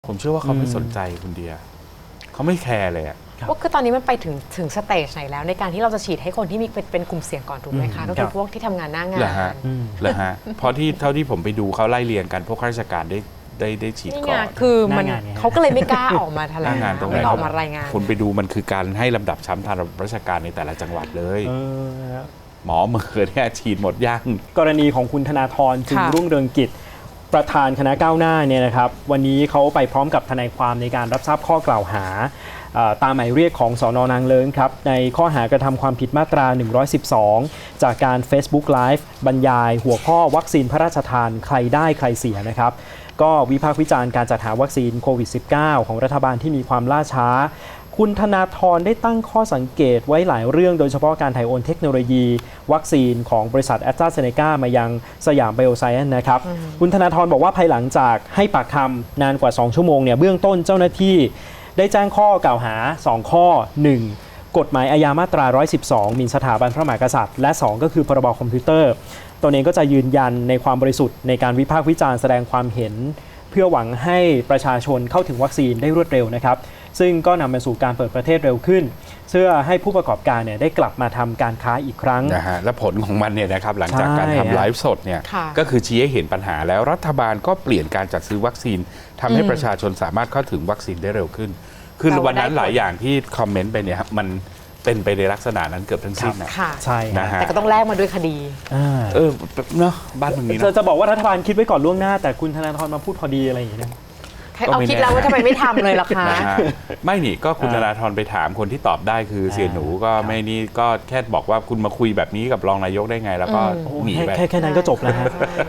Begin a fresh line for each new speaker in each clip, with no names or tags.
ผมเชื่อว่าเขาไม่สนใจคุณเดียเขาไม่แคร์เลย
ว่าคือตอนนี้มันไปถึงสเตจไหนแล้วในการที่เราจะฉีดให้คนที่มีเป็นกลุ่มเสี่ยงก่อนถูกไหมคะก็คือพวกที่ทำงานหน้างาน
เหรอฮะเพราะเท่าที่ผมไปดูเขาไล่เรียงกันพวกข้าราชการได้ฉีดก่อน
คือมันเขาก็เลยไม่กล้าออกมาแถลงไม่ออกมารายงาน
คุณไปดูมันคือการให้ลำดับชั้นทางราชการในแต่ละจังหวัดเลยหมอมือเนี่ยฉีดหมดย่าง
กรณีของคุณธนาธรจึงรุ่งเรืองกิจประธานคณะก้าวหน้าเนี่ยนะครับวันนี้เขาไปพร้อมกับทนายความในการรับทราบข้อกล่าวหาตามหมายเรียกของสน.นางเลิ้งครับในข้อหากระทำความผิดมาตรา 112 จากการ Facebook Live บรรยายหัวข้อวัคซีนพระราชทานใครได้ใครเสียนะครับก็วิพากษ์วิจารณ์การจัดหาวัคซีนโควิด -19 ของรัฐบาลที่มีความล่าช้าคุณธนาธรได้ตั้งข้อสังเกตไว้หลายเรื่องโดยเฉพาะการถ่ายโอนเทคโนโลยีวัคซีนของบริษัทแอสตราเซเนกามายังสยามไบโอไซเอนซ์นะครับคุณธนาธรบอกว่าภายหลังจากให้ปากคำนานกว่า 2 ชั่วโมงเนี่ยเบื้องต้นเจ้าหน้าที่ได้แจ้งข้อกล่าวหา 2 ข้อ 1. กฎหมายอาญามาตรา 112 หมิ่นสถาบันพระมหากษัตริย์และ 2 ก็คือพรบคอมพิวเตอร์ตนเองก็จะยืนยันในความบริสุทธิ์ในการวิพากษ์วิจารณ์แสดงความเห็นเพื่อหวังให้ประชาชนเข้าถึงวัคซีนได้รวดเร็วนะครับซึ่งก็นำมาสู่การเปิดประเทศเร็วขึ้นเพื่อให้ผู้ประกอบการเนี่ยได้กลับมาทำการค้าอีกครั้ง
นะฮะและผลของมันเนี่ยนะครับหลังจากการทำไลฟ์สดเนี่ยก็คือชี้ให้เห็นปัญหาแล้วรัฐบาลก็เปลี่ยนการจัดซื้อวัคซีนทำให้ประชาชนสามารถเข้าถึงวัคซีนได้เร็วขึ้นคือวันนั้นหลายอย่างที่คอมเมนต์ไปเนี่ยมันเป็นไปในลักษณะนั้นเกือบทั้งสิ้นนะ
ใช่นะฮะแต่ก็ต้องแลกมาด้วยคดี
เนาะบ้านเมืองนี้
จะบอกว่ารัฐบาลคิดไว้ก่อนล่วงหน้าแต่คุณธนาธรมาพูดพอดีอะไรอย่างเงี้ย
เอาคิดแล้วว่าทำไมไม่ทำเลยล่ะคะ
ไม่นี่ก็คุณธนาธรไปถามคนที่ตอบได้คือเสียหนูก็ไม่นี่ก็แค่บอกว่าคุณมาคุยแบบนี้กับรองนายกได้ไงแล้วก็หนีไป
แค่นั้นก็จบแล้วฮะ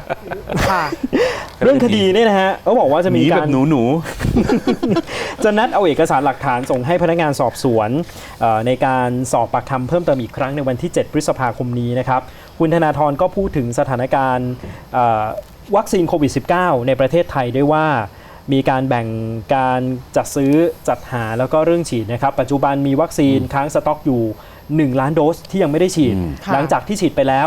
เรื่องคดีเนี่ยนะฮะเขาบอกว่าจะมีการ
หนู
จะนัดเอาเอกสารหลักฐานส่งให้พนักงานสอบสวนในการสอบปากคำเพิ่มเติมอีกครั้งในวันที่ 7 พฤษภาคมนี้นะครับคุณธนาธรก็พูดถึงสถานการณ์วัคซีนโควิด -19 ในประเทศไทยด้วยว่ามีการแบ่งการจัดซื้อจัดหาแล้วก็เรื่องฉีดนะครับปัจจุบันมีวัคซีนค้างสต็อกอยู่1 ล้านโดสที่ยังไม่ได้ฉีดหลังจากที่ฉีดไปแล้ว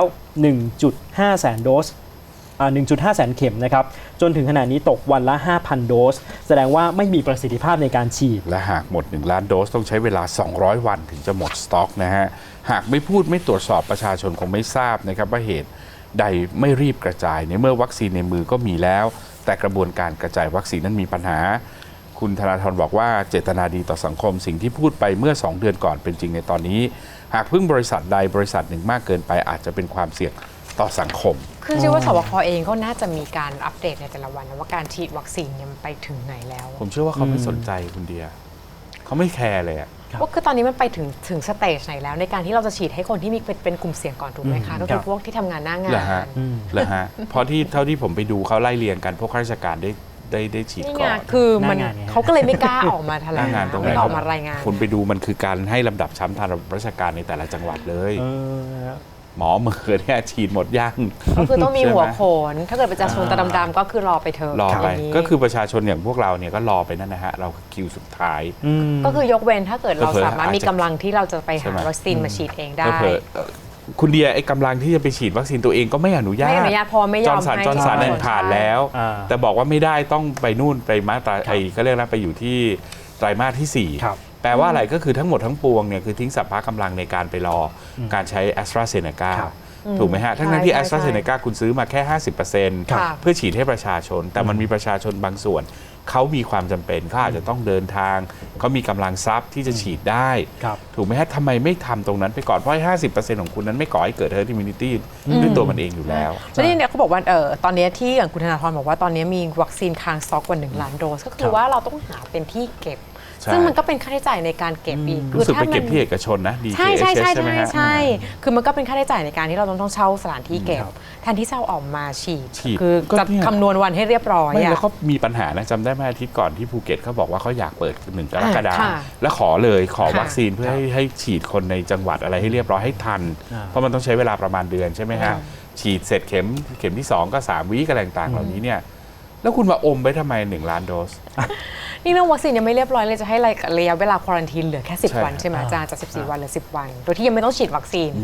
1.5 แสนโดส1.5 แสนเข็มนะครับจนถึงขณะนี้ตกวันละ 5,000 โดสแสดงว่าไม่มีประสิทธิภาพในการฉีด
และหากหมด1 ล้านโดสต้องใช้เวลา200 วันถึงจะหมดสต็อกนะฮะหากไม่พูดไม่ตรวจสอบประชาชนคงไม่ทราบนะครับว่าเหตุใดไม่รีบกระจายในเมื่อวัคซีนในมือก็มีแล้วแต่กระบวนการกระจายวัคซีนนั้นมีปัญหาคุณธนาธรบอกว่าเจตนาดีต่อสังคมสิ่งที่พูดไปเมื่อ2 เดือนก่อนเป็นจริงในตอนนี้หากพึ่งบริษัทใดบริษัทหนึ่งมากเกินไปอาจจะเป็นความเสี่ยงต่อสังคม
คือเชื่อว่าสบคเองก็น่าจะมีการอัปเดตในแต่ละวันนะว่าการฉีดวัคซีนมันไปถึงไหนแล้ว
ผมเชื่อว่าเขาไม่สนใจคุณเดียเขาไม่แคร์เลย
ว่าคือตอนนี้มันไปถึงสเตจไหนแล้วในการที่เราจะฉีดให้คนที่มีเป็นกลุ่มเสี่ยงก่อนถูกไหมคะก็คือพวกที่ทำงานหน้างาน
เหรอฮะเพราะเท่าที่ผมไปดูเขาไล่เรียงกันพวกข้าราชการได้ฉีดก่อน
คือมันเขาก็เลยไม่กล้าออกมาแถลงไม่ออกมารายงาน
คุณไปดูมันคือการให้ลำดับชั้นทางราชการในแต่ละจังหวัดเลยหมอมือเนี่ยฉีดหมดย่าง
ก็คือต้องมีหัวโขนถ้าเกิดประชาชนตาดำๆก็คือรอไปเถอะ
รอไปก็คือประชาชนอย่างพวกเราเนี่ยก็รอไปนั่นนะฮะเราคิวสุดท้าย
ก็คือยกเว้นถ้าเกิดเราสามารถมีกำลังที่เราจะไปหาวัคซีนมาฉีดเองได้
คุณเดียไอ้กำลังที่จะไปฉีดวัคซีนตัวเองก็ไม่อนุญาต
พอไม่ยอมให้
จอร์นสันผ่านแล้วแต่บอกว่าไม่ได้ต้องไปนู่นไปมาตราไอ้ก็เรียกนะไปอยู่ที่ไตรมาสที่4แปลว่าอะไรก็คือทั้งหมดทั้งปวงเนี่ยคือทิ้งสัพพะกำลังในการไปรอการใช้แอสตราเซเนกาถูกไหมฮะทั้งที่แอสตราเซเนกาคุณซื้อมาแค่ 50% เพื่อฉีดให้ประชาชนแต่มันมีประชาชนบางส่วนเขามีความจำเป็นเขาอาจจะต้องเดินทางเขามีกำลังทรัพย์ที่จะฉีดได้ถูกไหมฮะทำไมไม่ทำตรงนั้นไปก่อนเพราะ 50% ของคุณนั้นไม่ก่อให้เกิด herd immunity ด้วยตัวมันเองอยู่แล้ว
แล้วนี่เนี่ยเขาบอกว่าตอนนี้ที่อย่างคุณธนาธรบอกว่าตอนนี้มีวัคซีนค้างสต็อกกว่า1 ล้านโดสก็คือว่าเราต้องหาเป็นที่เก็บซึ่งมันก็เป็นค่าใช้จ่ายในการเก็บอีก
รู้สึกไปเก็บที่เอกชนนะ
ใช่ใช่ใช่ใช่ใช่คือมันก็เป็นค่าใช้จ่ายในการที่เราต้องเช่าสถานที่เก็บแทนที่จะออกมาฉีดคือจะคำนวณวันให้เรียบร้อย
แล้วเขามีปัญหานะจำได้ไหมอาทิตย์ก่อนที่ภูเก็ตเขาบอกว่าเขาอยากเปิด1 กรกฎาคมแล้วขอวัคซีนเพื่อให้ฉีดคนในจังหวัดอะไรให้เรียบร้อยให้ทันเพราะมันต้องใช้เวลาประมาณเดือนใช่ไหมฮะฉีดเสร็จเข็มที่2ก็3 วีคอะไรต่างๆเหล่านี้เนี่ยแล้วคุณมาอมไปทำไม1 ล้านโดส
นี่เรื่องวัคซีนยังไม่เรียบร้อยเลยจะให้ระยะเวลาควอรันทีนเหลือแค่10 วันใช่ไหมอาจารย์จาก14 วันเหลือ10 วันโดยที่ยังไม่ต้องฉีดวัคซีน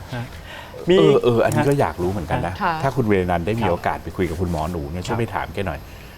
อันนี้ก็อยากรู้เหมือนกันนะถ้าคุณเวรนันท์ได้มีโอกาสไปคุยกับคุณหมอหนูเนี่ยช่วยไปถามแกหน่อย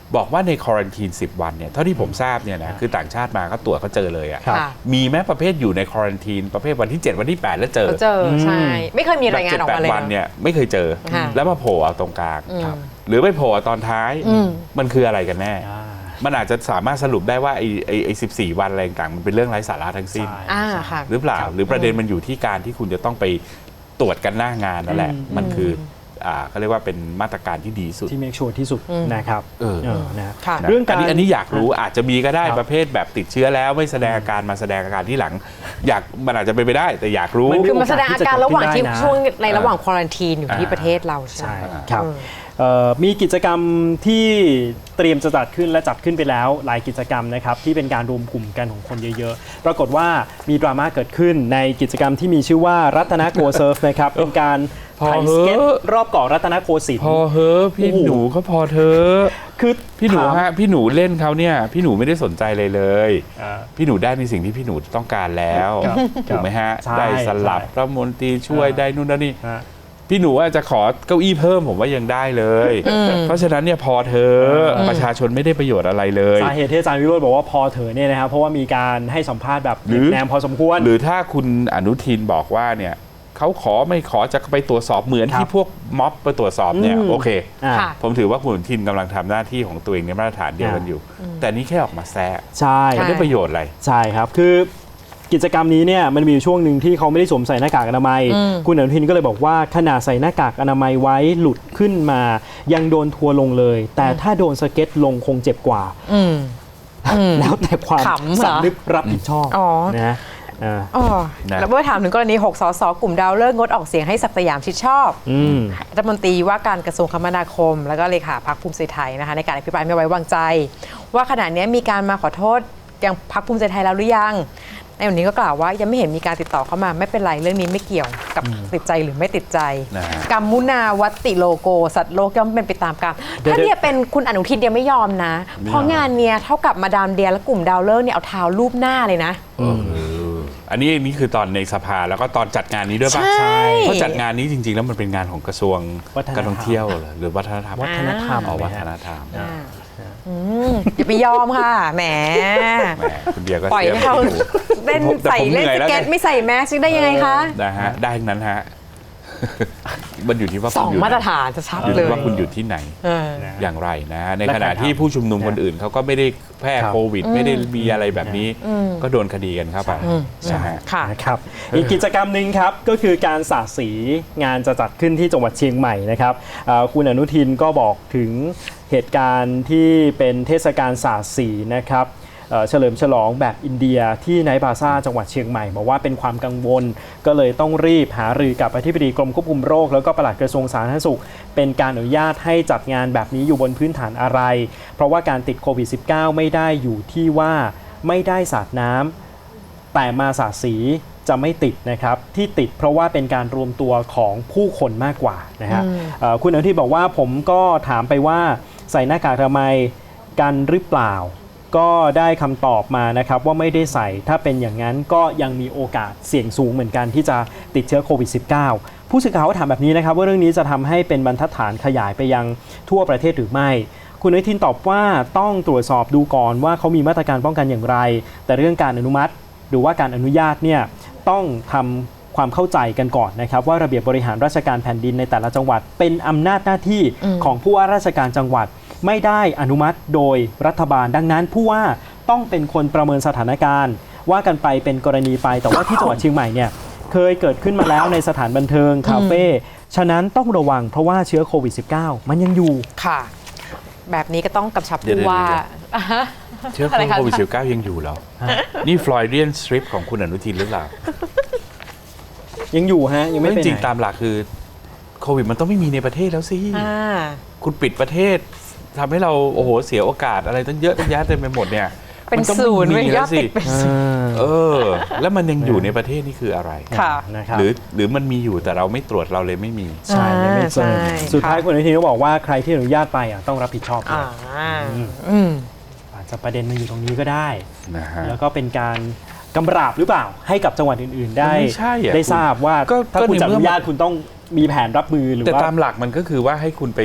บอกว่าในควอรันทีน10 วันเนี่ยเท่าที่ผมทราบเนี่ยนะคือต่างชาติมาก็ตรวจเขาเจอเลยอะ
ครับ
ค่ะ
มีแม้ประเภทอยู่ในควอรันทีนประเภทวันที่ 7 วันที่ 8 แล้วเจอ
เขาเจอใช่ ไม่เคยมีรายงานออกมาเลย
7-8 วันเนี่ยไม่เคยเจอ
ค่ะ
แล้วมาโผล่เอาตรงกลาง
ครับ
หรือไปโผล่เอาตอนท้าย มันคืออะไรกันแน่
อ่า
มันอาจจะสามารถสรุปได้ว่าไอ้14 วันอะไรต่างๆมันเป็นเรื่องไร้สาระทั้งสิ้น
ใช่
ค่ะ
หรือเปล่า หรือประเด็นมันอยู่ที่การที่คุณจะต้องไปตรวจกันหน้างานนั่นแหละ มันคือเขาเรียกว่าเป็นมาตรการที่ดีสุด
ที่เมคชัวร์ที่สุดนะครับ นะ
ค่ะ
นะ
เรื่องการ
อันนี้อยากรู้อาจจะมีก็ได้
ครับ
ประเภทแบบติดเชื้อแล้วไม่แสดงอาการมาแสดงอาการที่หลัง มันอาจจะเป็นไปได้แต่อยากรู้
มัน
คือมาแสดงอาการระหว่างที่
ได้นะ
ช่วงในระหว่างควอรันทีนอยู่ที่ประเทศเราใช่
ใช่
ไหม
ครับมีกิจกรรมที่เตรียมจะจัดขึ้นและจัดขึ้นไปแล้วหลายกิจกรรมนะครับที่เป็นการรวมกลุ่มกันของคนเยอะๆ ปรากฏว่ามีดราม่าเกิดขึ้นในกิจกรรมที่มีชื่อว่ารัตนโกเซิร์ฟนะครับ เป็นการ
พอ
ถ่าย
เหอะ
สเก็ตรอบเกาะรัตนโกสินท
พอ
ร์
เฮ้อะพี่
โอ้โห
หนูก็พอเธอะ
คือ
พี่หนู
ถาม
ฮะพี่หนูเล่นเขาเนี่ยพี่หนูไม่ได้สนใจเลยเลย
อ่า
พี่หนูได้ในสิ่งที่พี่หนูต้องการแล้ว
ครับ
ถูกไหมฮะ
ใช่
ได้สลับ
ใช่
รัฐมนตรีช่วย
อ่า
ได้นู่นได้นี่
ฮะ
พี่หนูอาจจะขอเก้าอี้เพิ่มผมว่ายังได้เลย เพราะฉะนั้นเนี่ยพอเธอะประชาชนไม่ได้ประโยชน์อะไรเลย
สาเหตุที่อาจารย์วิโรจน์บอกว่าพอเถอะเนี่ยนะครับเพราะว่ามีการให้สัมภาษณ์แบบ
หรือ
แนมพอสมควร
หรือถ้าคุณอนุทินบอกว่าเนี่ยเขาขอไม่ขอจะไปตรวจสอบเหมือน
ครับ
ที่พวกม็อบไปตรวจสอบเนี่ย
อืม
โอเค
อ่า
ค่ะ
ผมถือว่าคุณอนุทินกำลังทำหน้าที่ของตัวเองในมาตรฐานเดียวกันอยู่ แต่นี่แค่ออกมาแซะ
ใช่
มันได้ประโยชน์อะไร
ใช่ครับ คือกิจกรรมนี้เนี่ยมันมีอยู่ช่วงหนึ่งที่เขาไม่ได้สวมใส่หน้ากากอนามัย คุณอนุทินก็เลยบอกว่าขนาดใส่หน้ากากอนามัยไว้หลุดขึ้นมา ยังโดนทัวร์ลงเลย แต่ถ้าโดนสเก็ตลงคงเจ็บกว่า แล้วแต่ความ
ขำเหรอ
สำนึกรับผิดชอบ
อ๋อ
นะอ่า
อ๋อ
นะ
แล้วเมื่อถามถึงกรณี 6 สส กลุ่มดาวเลิกษ์งดออกเสียงให้ศักดิ์สยามชิดชอบ
อืม
รัฐมนตรีว่าการกระทรวงคมนาคม แล้วก็เลขาพรรคภูมิใจไทยนะคะในการอภิปรายไม่ไว้วางใจ ว่าขณะนี้มีการมาขอโทษยังพรรคภูมิใจไทยแล้วหรือยังในวันนี้ก็กล่าวว่ายังไม่เห็นมีการติดต่อเข้ามาไม่เป็นไรเรื่องนี้ไม่เกี่ยวกับติดใจหรือไม่ติดใจ
นะฮะ
กัมมุนาวัตติโลโก สัตว์โลกย่อมเป็นไปตามกรรม
เดี๋ยว
ถ้าเนี่ยเป็นคุณอนุทินยังไม่ยอมนะ เพราะงานเนี้ยเท่ากับมาดามเดียและกลุ่มดาวเลิกษ์เนี่ยเอาเท้ารูปหน้าเลยนะ
อันนี้คือตอนในสภาแล้วก็ตอนจัดงานนี้ด้วยป่ะ
ใช่
เพราะจัดงานนี้จริง ๆ แล้วมันเป็นงานของกระทรวง
วัฒนธรรม
การท่องเที่ยวเหรอหรือวัฒนธรรม
วัฒนธรรม
อ๋อวั
นะ
ฒ
ฮะ
นธรรม
อย่าไปยอมค่ะ แหม
แหมคุณเดียก็
ปล่อย
เสีย
ให้เขาเล่น
แต่
ใส่
ผม
เล่น
หนื่อย
ส
แล้ว
เก็ต
ไง
ไม่ใส่แมสได้ยังไงคะ
นะฮะได้ทั้งนั้นฮะ มันอยู่ที่ว่า
ส
คุ
อ
ณ
ง
อยู่
มาตรฐานจะชัด
อยู่
เล
ที่
ย
ว่าคุณอยู่ที่ไหน
เออ
อย่างไรนะใน
และ
ขณะ
การทำ
ที่ผู้ชุมนุมคนอื่นเขาก็ไม่ได้แพร่
ครับ
โควิด ไม่ได้มีอะไรแบบนี้ ก็โดนคดีกันเข้าไปนะฮะ
ค่ะ
นะครับอีกกิจกรรมหนึ่งครับก็คือการสาดสีงานจะจัดขึ้นที่จังหวัดเชียงใหม่นะครับคุณอนุทินก็บอกถึงเหตุการณ์ที่เป็นเทศกาลสาดสีนะครับเฉลิมฉลองแบบอินเดียที่ไนท์พลาซ่าจังหวัดเชียงใหม่บอกว่าเป็นความกังวล ก็เลยต้องรีบหารือกับอธิบดีกรมควบคุมโรคแล้วก็ปลัดกระทรวงสาธารณสุข เป็นการอนุญาตให้จัดงานแบบนี้อยู่บนพื้นฐานอะไร เพราะว่าการติดโควิด -19 ไม่ได้อยู่ที่ว่าไม่ได้สาดน้ำ แต่มาสาดสีจะไม่ติดนะครับที่ติดเพราะว่าเป็นการรวมตัวของผู้คนมากกว่านะฮะคุณอนุทินบอกว่าผมก็ถามไปว่าใส่หน้ากากอนามัยกันหรือเปล่า ก็ได้คำตอบมานะครับว่าไม่ได้ใส่ถ้าเป็นอย่างนั้นก็ยังมีโอกาสเสี่ยงสูงเหมือนกันที่จะติดเชื้อโควิด -19 ผู้สื่อข่าวก็ถามแบบนี้นะครับว่าเรื่องนี้จะทำให้เป็นบรรทัดฐานขยายไปยังทั่วประเทศหรือไม่ คุณอนุทินตอบว่าต้องตรวจสอบดูก่อนว่าเขามีมาตรการป้องกันอย่างไร แต่เรื่องการอนุมัติหรือว่าการอนุญาตเนี่ยต้องทำความเข้าใจกันก่อนนะครับว่าระเบียบบริหารราชการแผ่นดินในแต่ละจังหวัดเป็นอำนาจหน้าที่ของผู้ว่าราชการจังหวัดไม่ได้อนุมัติโดยรัฐบาลดังนั้นผู้ว่าต้องเป็นคนประเมินสถานการณ์ว่ากันไปเป็นกรณีไปแต่ว่าที่จังหวัดเชียงใหม่เนี่ยเคยเกิดขึ้นมาแล้วในสถานบันเทิงคาเฟ่ฉะนั้นต้องระวังเพราะว่าเชื้อโควิด -19 มันยังอยู่
ค่ะ แบบนี้ก็ต้องกำชับ
เดี๋ยว
ผู้ว่า
เชื้อ
อะไรคะ
โควิด -19 ยังอยู่เหรอนี่ฟลอยเดียนสตริปของคุณอนุทินหรือเปล่า
ยังอยู่ฮะยังไม่
ไม่
ไป
จริง
ไหน
ตามหลักคือโควิดมันต้องไม่มีในประเทศแล้วสิ
อ่า
คุณปิดประเทศทำให้เราโอ้โหเสียโอกาสอะไรตั้งเยอะตั้งแยะเต็มไปหมดเนี่ย
เป็น
มัต้อง
ศูนย์
ไม่มี
ย
แล้
อ
ว
ด
สิ
ติดเป็นศูนย์
เออ แล้วมันยังอยู่ในประเทศนี่คืออะไร
ค่ะ
นะครับ
หรือมันมีอยู่แต่เราไม่ตรวจเราเลยไม่มี
ใช่ยังไม่เจอ
ใช่
สุดท้าย
ค่ะ
คุณอนุทินก็บอกว่าใครที่อนุญาตไปต้องรับผิดชอบด้
อ่า
วย
อืม
อาจจะประเด็นมันอยู่ตรงนี้ก็ได้
นะฮะ
แล้วก็เป็นการกำราบหรือเปล่าให้กับจังหวัดอื่นๆ ได้
ไม่ใช่อะ
ได้ทราบว่า
ก็
ถ้าคุณ
ใน
จะอ
เมื่อ
นุญาตคุณต้องมีแผนรับมือหรือ
แต่
ว่า
ตามหลักมันก็คือว่าให้คุณไป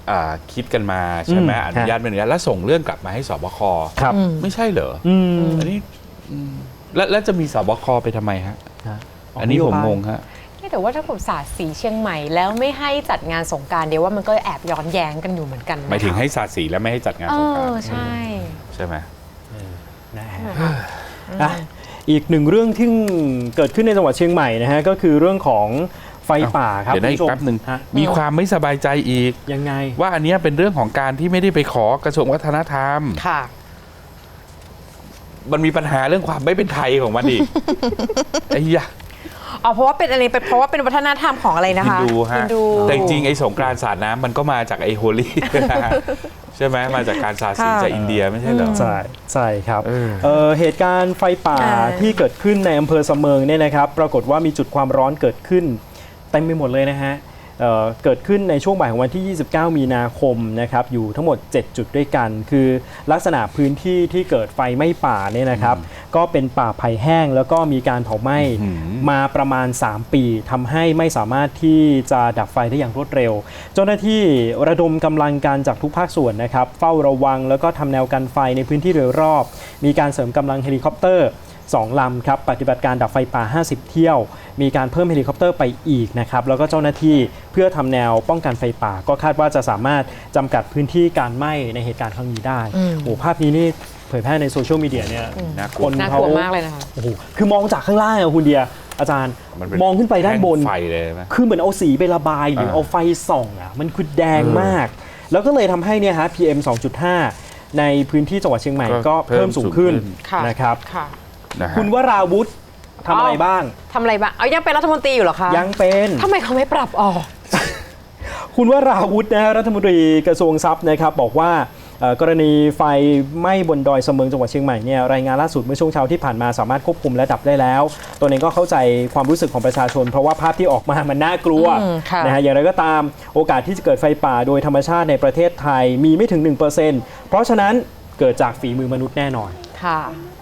คิดกันมาใช่ไหมอนุญาตไม่อนุญาตแล้วส่งเรื่องกลับมาให้สบค
ครับ
ไม่ใช่เหรออันนี้แล้วจะมีสบคไปทำไมฮะอันนี้ผมงงฮะ
แต่ว่าถ้าผมสาดสีเชียงใหม่แล้วไม่ให้จัดงานสงกรานต์เดี๋ยวว่ามันก็แอบย้อนแย้งกันอยู่เหมือนกันนะ
หมายถึงให้สาดสีแล้วไม่ให้จัดงานสงกรานต์
ใช่
ใช่ไหม
นะฮะอีกหนึ่งเรื่องที่เกิดขึ้นในจังหวัดเชียงใหม่นะฮะก็คือเรื่องของไฟป่าครับ
เดี๋ยวนะอีกแป๊บหนึ่งมีความไม่สบายใจอีก
ยังไง
ว่าอันนี้เป็นเรื่องของการที่ไม่ได้ไปขอกระทรวงวัฒนธรรม
ค่ะ
มันมีปัญหาเรื่องความไม่เป็นไทยของมันอีก ไอ้ยะ
เพราะว่าเป็นอะไรเพราะว่าเป็นวัฒนธรรมของอะไรนะคะ
ฮินดูฮะแต่จริงๆไอ้สงกรานต์สาดน้ำมันก็มาจากไอ้โฮลี่ ใช่ไหมมาจากการสาดสีจากอินเดียไม่ใช่เหรอ
ใช่ครับเหตุการณ์ไฟป่าที่เกิดขึ้นในอำเภอเสมิงเนี่ยนะครับปรากฏว่ามีจุดความร้อนเกิดขึ้นเต็มไปหมดเลยนะฮะเกิดขึ้นในช่วงบ่ายของวันที่ 29 มีนาคมนะครับอยู่ทั้งหมด 7 จุดด้วยกันคือลักษณะพื้นที่ที่เกิดไฟไหม้ป่าเนี่ยนะครับก็เป็นป่าไผ่แห้งแล้วก็มีการเผาไหม้มาประมาณ 3 ปีทำให้ไม่สามารถที่จะดับไฟได้อย่างรวดเร็วเจ้าหน้าที่ระดมกำลังการจากทุกภาคส่วนนะครับเฝ้าระวังแล้วก็ทำแนวกันไฟในพื้นที่โดยรอบมีการเสริมกำลังเฮลิคอปเตอร์2 ลำครับปฏิบัติการดับไฟป่า 50 เที่ยวมีการเพิ่มเฮลิคอปเตอร์ไปอีกนะครับแล้วก็เจ้าหน้าที่เพื่อทำแนวป้องกันไฟป่าก็คาดว่าจะสามารถจำกัดพื้นที่การไหม้ในเหตุการณ์ครั้งนี้ได้โอ้ภาพนี้นี่เผยแพร่ในโซเชียลมีเดียเนี่ย
คนน่ากลัวมากเลยนะคะ
โอ้โหคือมองจากข้างล่างคุณเดียอาจารย์มองขึ้นไปด้านบน
ไฟเลยไหม
คือเหมือนเอาสีไประบายหรือเอาไฟส่องมันคือแดงมากแล้วก็เลยทำให้เนี่ยฮะ PM 2.5 ในพื้นที่จังหวัดเชียงใหม่ก็เพิ่มสูงขึ้นนะครับคุณวราวุธทำอะไรบ้าง
ยังเป็นรัฐมนตรีอยู่เหรอคะ
ยังเป็น
ทำไมเขาไม่ปรับออก
คุณวราวุธนะรัฐมนตรีกระทรวงทรัพย์นะครับบอกว่ากรณีไฟไหม้บนดอยเสมิงจังหวัดเชียงใหม่เนี่ยรายงานล่าสุดเมื่อช่วงเช้าที่ผ่านมาสามารถควบคุมและดับได้แล้วตัวเองก็เข้าใจความรู้สึกของประชาชนเพราะว่าภาพที่ออกมามันน่ากลัวนะฮะอย่างไรก็ตามโอกาสที่จะเกิดไฟป่าโดยธรรมชาติในประเทศไทยมีไม่ถึง 1% เพราะฉะนั้นเกิดจากฝีมือมนุษย์แน่นอน
ค่ะ